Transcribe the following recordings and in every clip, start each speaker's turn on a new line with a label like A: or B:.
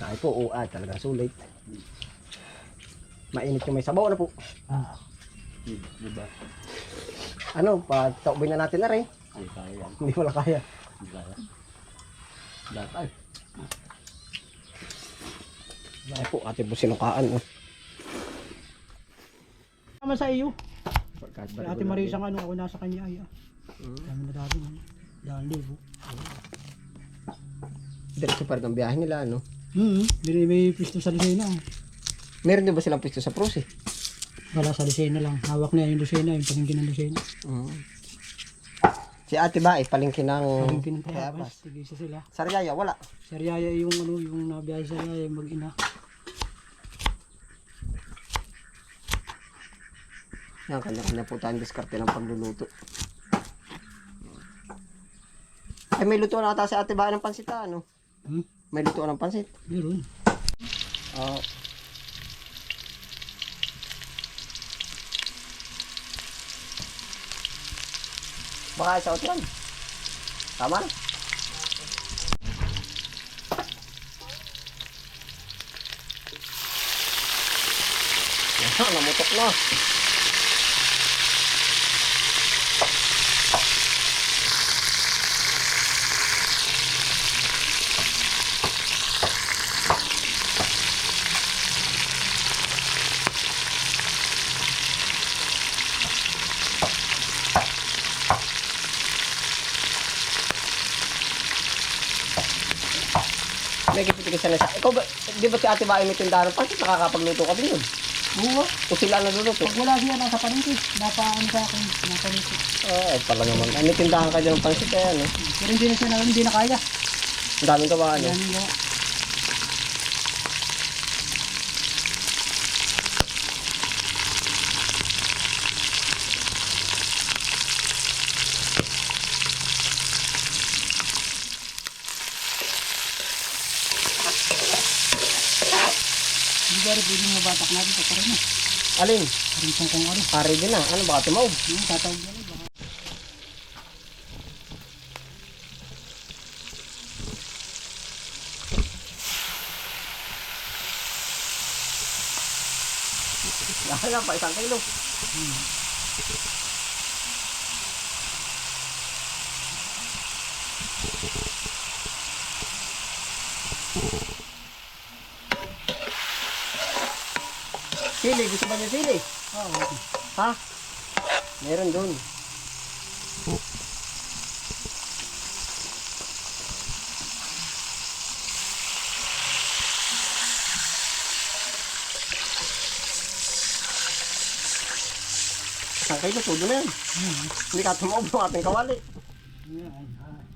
A: Ay po, talagang sulit. Mainit yung may sabaw na po.
B: Diba?
A: Ano, pataubin na natin na rin.
B: Ay, kaya yan.
A: Hindi wala kaya.
B: Hindi kaya. Datay.
A: Ay po, ating po sinukaan. Oh.
C: Tama sa iyo.
A: Kahit
C: Si Ate Marisa nga nung ako nasa kanya ay dami na dati mo. Dahil libo.
A: Diretso pa rin ang biyahe nila, ano?
C: May pisto sa Lucena.
A: Meron din ba silang pisto sa Prus eh?
C: Wala sa Lucena lang. Hawak na yung Lucena, yung palingkin ng Lucena.
A: Si Ate ba, palingkin ng...
C: Palingkin ng Payapas. Tigisa sila.
A: Sariaya, wala.
C: Sariaya yung ano, yung nabiyahe sa Sariaya, yung mag-ina.
A: Yan, kanya-kanya po tayong diskarte ng pagluluto. Ay, may lutuan na ata si Ate ba ng pansit, ano? May lutuan ng pansit.
C: Meron.
A: Oo. Baka sa otran. Tama na. Yan, namutok na. May kipitikisan na siya. Ikaw ba, di ba si Ate ba ay may tindahan ng pansit? Nakakapagluto ka din yun.
C: Oo.
A: O sila nagluluto?
C: Pag wala siya nasa palingkin, napaano sa akin, napanito.
A: Ay, pala naman. Ay, may tindahan ka dyan ng pansit kaya, no?
C: Pero hindi na kaya.
A: Ang daming ka ba, ano?
C: Yan yung hindi ba rin pwedeng mabatak natin sa karin na.
A: Alin?
C: Karin kung ano.
A: Pare din na. Ano, baka tumaog?
C: Tatawag yan baka.
A: Lahat lang pa, 1 kilo. Sili, gusto ba niya sili?
C: Oo.
A: Ha? Meron dun. Isang kilo, todo na yan. Hindi ka tumaob ng ating kawali.
C: Yan.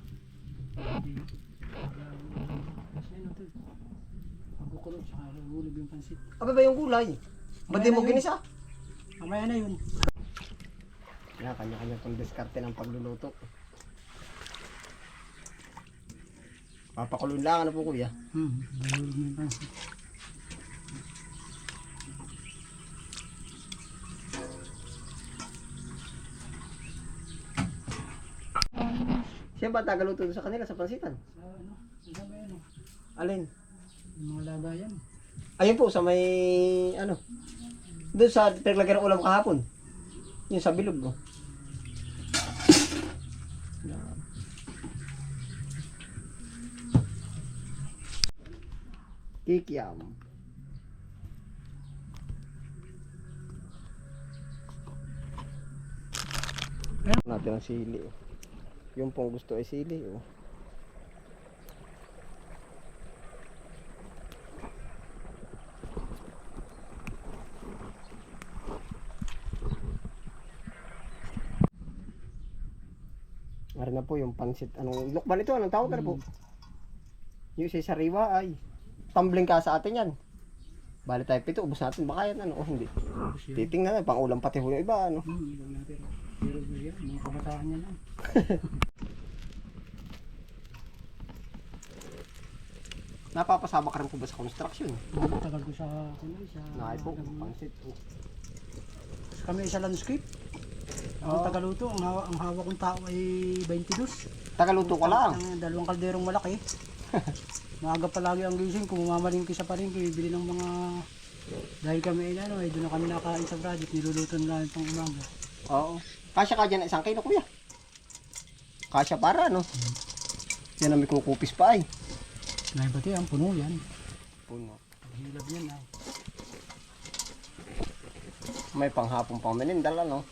C: Pagkukulog sa hulog yung pansit.
A: Aba ba yung gulay? Ba't di mo ginisa?
C: Mamaya na yun.
A: Yan, kanya-kanya itong diskarte ng pagluluto. Papakulun lang, ano po kuya?
C: Hulog yung pansit.
A: Siya ba tagaluto doon sa kanila sa pansitan?
C: Sa ano? Sa may ano?
A: Alin?
C: Yung mga lagayan.
A: Ayun po sa may ano. Doon sa pinaglagyan ng ulam kahapon. Yung sa bilog mo. Kikiam. Natin ang sili. Yung pong gusto ay sili. Oh. Meron na po yung pansit. Anong lukban ito? Anong tawag na po? Yung isa sariwa ay tumbling ka sa atin yan. Bali tayo 7, ubos natin. Baka yan ano? O hindi. Titingnan na. Pang ulam pati ho yung iba. Ano?
C: Ibang natin. Pero yan, mga kabataan niya lang.
A: Napapasama ka rin po ba sa construction?
C: Tagal ko sa kulay.
A: Nakay po. Pansit. Oh.
C: Kami sa landscape. Ang tagaluto, ang hawak kong tao ay 22.
A: Tagaluto ka lang.
C: Ang dalawang kalderong malaki. Maaga palagi ang gising. Kung mamalingki sa palengke, bibili ng mga... Dahil kami ay doon na kami nakain sa project. Niluluto na namin pang umaga.
A: Oo. Kasya ka dyan 1 kilo kuya. Kasya para no. Yan ang may kukupis pa ay.
C: Naibati ang puno yan.
A: Puno.
C: Hilab yan ay.
A: May panghapong pang menindal ano.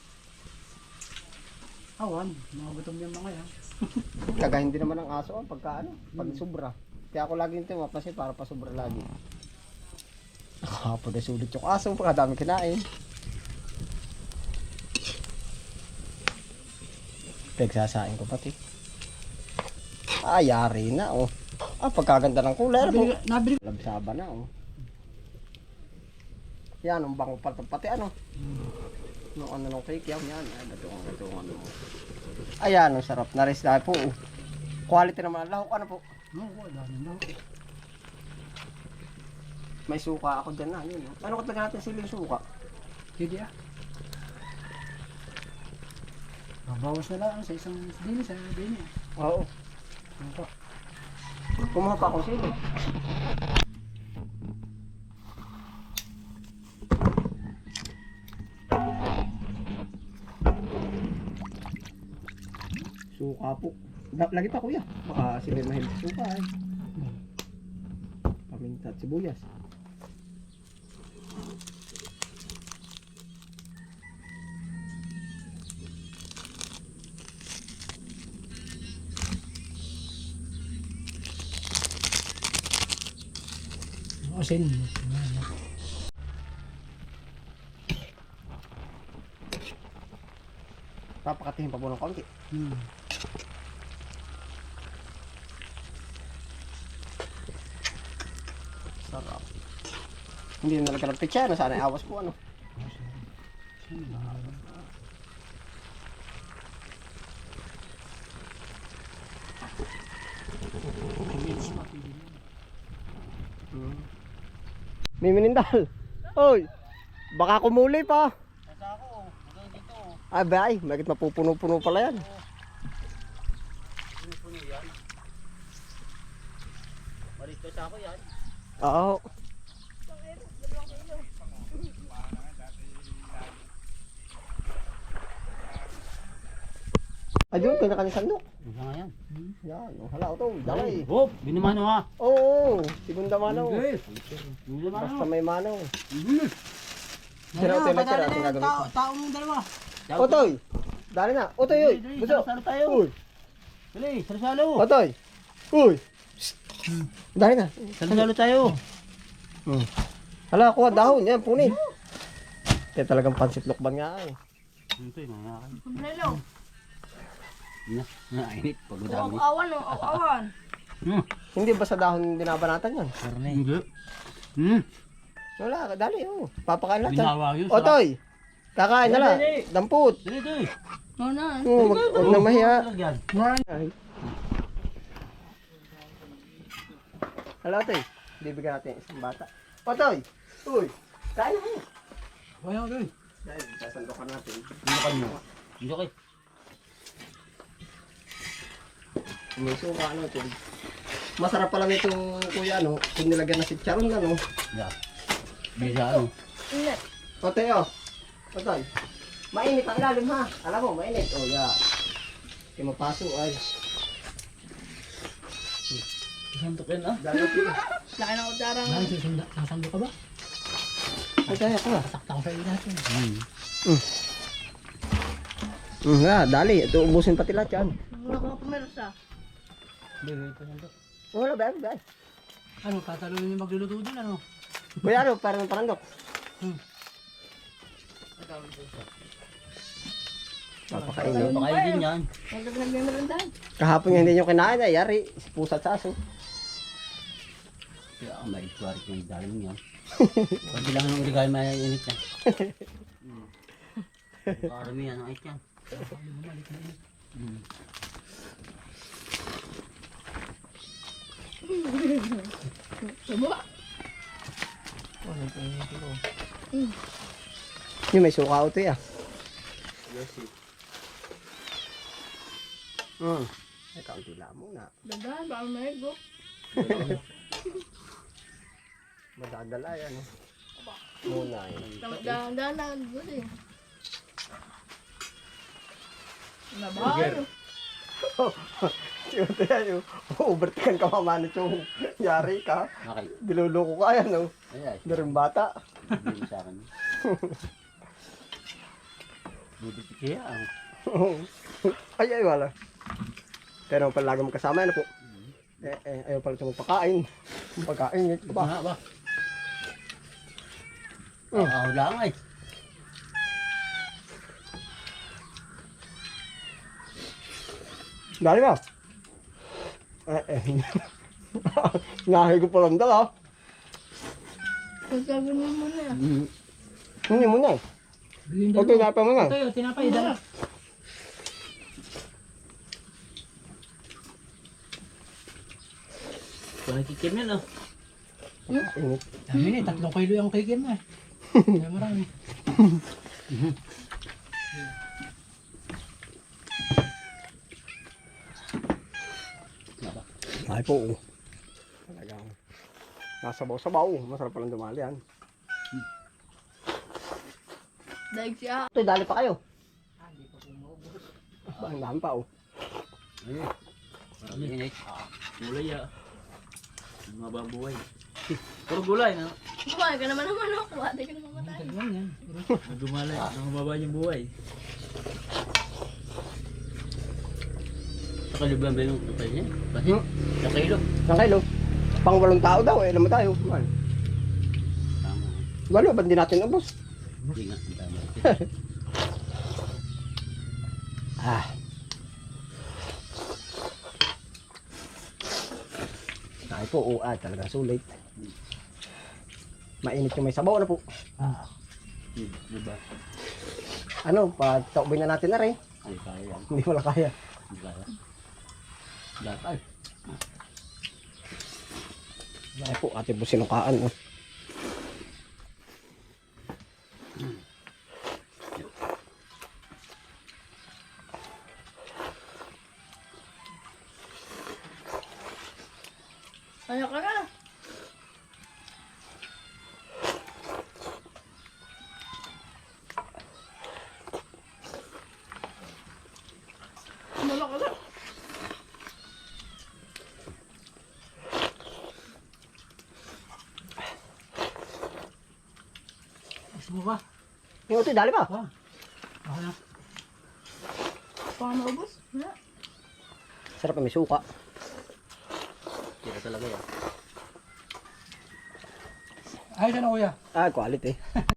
C: Awan, mga gutom yung mga yan.
A: Kagahin din naman ang aso pagka ano, pag sobra. Kaya ako lagi nito mapasin para pa sobra lagi. Nakahapon na sulit yung aso, pagkadami kinain. Pagsasain ko pati. Yari na oh. Pagkaganda ng kulay.
C: Nabili.
A: Labsaba na oh. Yan, ang bango pati ano. Nung ano nung cake yan. Ay, gatong ano. Ayan, ang sarap na rin po. Oh. Quality naman ang lahok. Ano po?
C: Oo, dami na.
A: May suka ako dyan na. Yun, oh. Ano katagal natin siling suka?
C: Hindi ah. Babawas na lang sa isang dini sa dini.
A: Oo.
C: Ano pa?
A: Kumuha pa akong sili. Suka po. Lagi pa kuya. Baka sila mahilig sa suka ay. Paminta at sibuyas.
C: Asin.
A: Papakatihin pa po ng konti. Sarap. Hindi na nalagyan ng pitsya. Sana ay awas po ano. May minindal. Oy. Baka kumuli pa. Ay, bay, bakit mapupuno-puno pala yan?
B: Puno yan. Malit ka sa ako yan.
A: Oo. Ayun, kanya-kanya sandok.
B: Ano nga yan?
A: Yan, hala ito, dalay.
B: Hop, binumano ha.
A: Oo, segunda mano.
B: Binumano.
A: Basta may mano. Sira ito, tira, ang gagawin ko.
C: Taong dalawa.
A: Otoy, dali na. Otoy, oy. Buso.
B: Salo tayo.
A: Uy,
B: Dali, salo.
A: Otoy. Uy. Dali na.
B: Salo tayo.
A: Hala, kuha dahon. Yan, punit. Kaya talagang pansit lukban nga eh.
B: Ito yung mga akin.
D: Kumplelo.
B: Nainit. Pag madami.
D: Awan o, awan.
A: Hindi ba sa dahon binabanatan yan?
B: Karne. Hindi.
A: Wala, dali oh. Papakain natin.
B: Binawa yun.
A: Otoy, kakain na lang.
B: Dali.
A: Damput.
B: Dali.
D: No na.
A: Huwag nang mahiya.
B: Lagyan.
A: Hala, Otoy. Bibigyan natin isang bata. Otoy. Uy, kain na kayo.
C: Kaya ko doon.
A: Dahil, sasandokan natin.
B: Hindi mo. Hindi okay.
A: May suka, ano ito. Masarap pala nito, kuya, ano, kung nilagyan na si Charon, ano.
B: Yeah. Bisa ano.
D: Init.
A: Otoy, oh. Otoy. Mainit ang ilalim, ha. Alam mo, mainit. Oh, yeah. Kaya mapaso, ay.
B: Isang tukin ah.
A: Dali ko.
D: Laki ng utarang.
C: Sasando ka ba?
A: Ay, kaya ko,
C: Sakta ko sa iyo natin.
A: Dali. Ito, ubusin pati lahat yan.
D: Wala ko pumersa.
C: Hindi, ito sando.
A: Wala, bay, bay.
C: Ano, tatalungin yung magluluto din, ano?
A: Kuya, ano, parang parandok. Papakainin.
B: Pakain din yan.
D: Huwag ka nagmemerandahan.
A: Kahapon nga hindi nyo kinain, ay yari. Si pusa at saso.
B: Kaya ang maitwarik yung daling yan. Pag bilang ng uligay mainit yan. Parami yan ang ait yan.
D: Subuka.
A: Yung may suka ito, ya. Ay, kaunti lang muna.
D: Dadan, baka may go.
A: Madadala yan. Muna yun.
D: Dahan-dahan na. Buti. Nabahan.
A: Ito yan yung overtaken ka mamanit yung yari ka.
B: Okay.
A: Diluloko ka yan, no?
B: Ay,
A: Hindi rin bata.
B: hindi sa akin. Buti kaya ang
A: Ay, wala. Pero pala lagi magkasama, ano po? Ayaw pala ito magpakain. Pagkain, ito ba?
B: ba? Ako lang ay.
A: Dali ba? Nahay ko palang dala.
D: Sasabi mo muna yan.
A: Hindi mo na.
C: Bilhin
A: Okay, napa mo na.
C: Tayo, tinapay, dala.
B: Kung nakikim yan oh.
A: Init.
C: Dami na, 3 kilo yung kikim na. Kaya marami.
A: Ay po. Talagang nasabaw-sabaw. Masarap palang dumali yan.
D: Daig siya.
A: Ito, dali pa kayo. Ba, ang dami pa, oh.
B: Ay. Marami init. Gulay ah. Mababuhay. Puro gulay na.
D: Buhay ka naman ako. Ate ka naman matay.
C: Dalawan yan.
B: Gumalay. Mababa yung buhay. Sa kalibang ba yung kapal niya? Kasi sa kilo.
A: Isang kilo. Pang 8 tao daw, eh. Alam mo tayo. Well,
B: Tama.
A: walo, ba't di natin ubos?
B: Hindi nga. Ang tama.
A: Ah. Ay po, oo, talaga sulit. Mainit yung may sabaw na po.
B: Diba?
A: Ano, pataubin na natin na rin.
B: Ay, kaya yan.
A: Hindi wala kaya.
B: Hindi kaya. Datay.
A: Ay po, ate po sinukaan. Oh.
D: Kaya ka na. Malak ka na.
C: Gusto mo ba?
A: Yung ito, dali pa.
C: Ako na.
D: Baka maubos. Wala.
A: Sarap na may suka.
B: Kira talaga yan.
C: Ayos na kuya.
A: Ah, quality.